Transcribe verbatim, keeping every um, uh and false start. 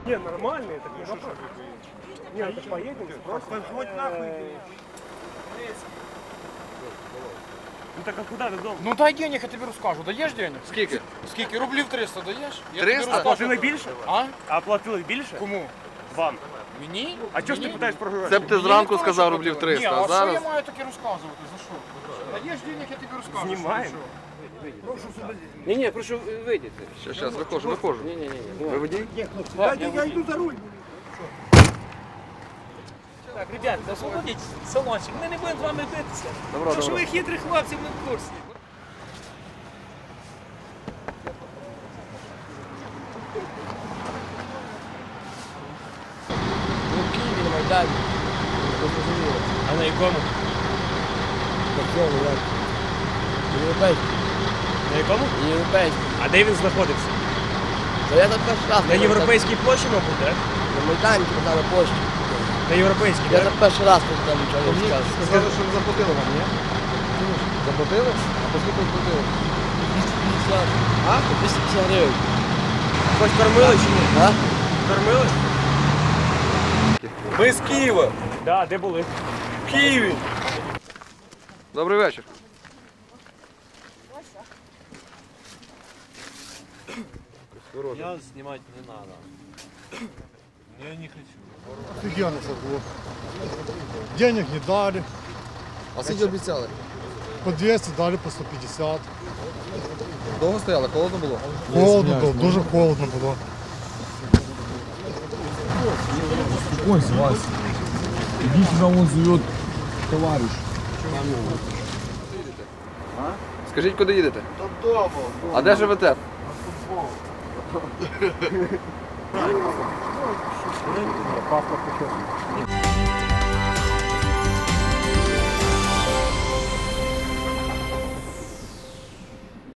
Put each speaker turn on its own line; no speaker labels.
Не, нормальные, так не вопрос. Не, ну так поедем, просто. Хоть нахуй. Ну так а куда додому?
Ну дай денег, я тобі розкажу. Даєш денег?
Скільки?
Скільки? Рублів триста даєш? Я
триста?
тобі
А платили
розкажу.
більше?
А?
А платили більше?
Кому?
Вам.
Мені?
А чого ж ти
Мені?
питаєш про гроші?
Це б ти
Мені
зранку
ніхто
сказав
не
рублів
платив.
триста,
Ні,
а
а що
зараз...
я маю таке розказувати? За що? Даєш денег, я тобі розкажу.
Знімаємо.
Ні, ні, прошу вийдіть.
Щас, щас, виходжу, виходжу.
Ні, ні, ні.
Ви водій?
Дайте, я йду за руль.
Так, ребят, освободіть салончик, ми не будемо з вами битися.
Добро,
Тому що
добро.
ви хитрі хлопці, ми в курсі.
Ну, в Києві на Майдані.
А на якому?
На цьому, як? Європейський.
На якому?
Європейський.
А де він знаходився?
Та я там перший раз.
На Європейській площі, мабуть, так?
На Майдані, там на площі.
На Європейській,
Я
так?
там перший раз тут там нічого не сказав.
Сказали, що ви заплатили вам, ні? Заплатили? А по скільки заплатили?
двісті п'ятдесят.
А?
двісті п'ятдесят гривень.
Хоч кормили чи ні?
А?
Кормили?
Ми з Києва.
Так, де були?
В Києві.
Добрий вечір.
Я знімати не треба. Я не хочу.
Офигенно было. Денег не дали,
А скільки обіцяли?
по двести дали, по сто пятьдесят.
Довго стояли, холодно було?
Холодно было, дуже холодно было.
Успокойся, Вася. Иди сюда, он зовет товарищ.
Скажіть, куди їдете? Додому. А де живете?
Паспорт еще.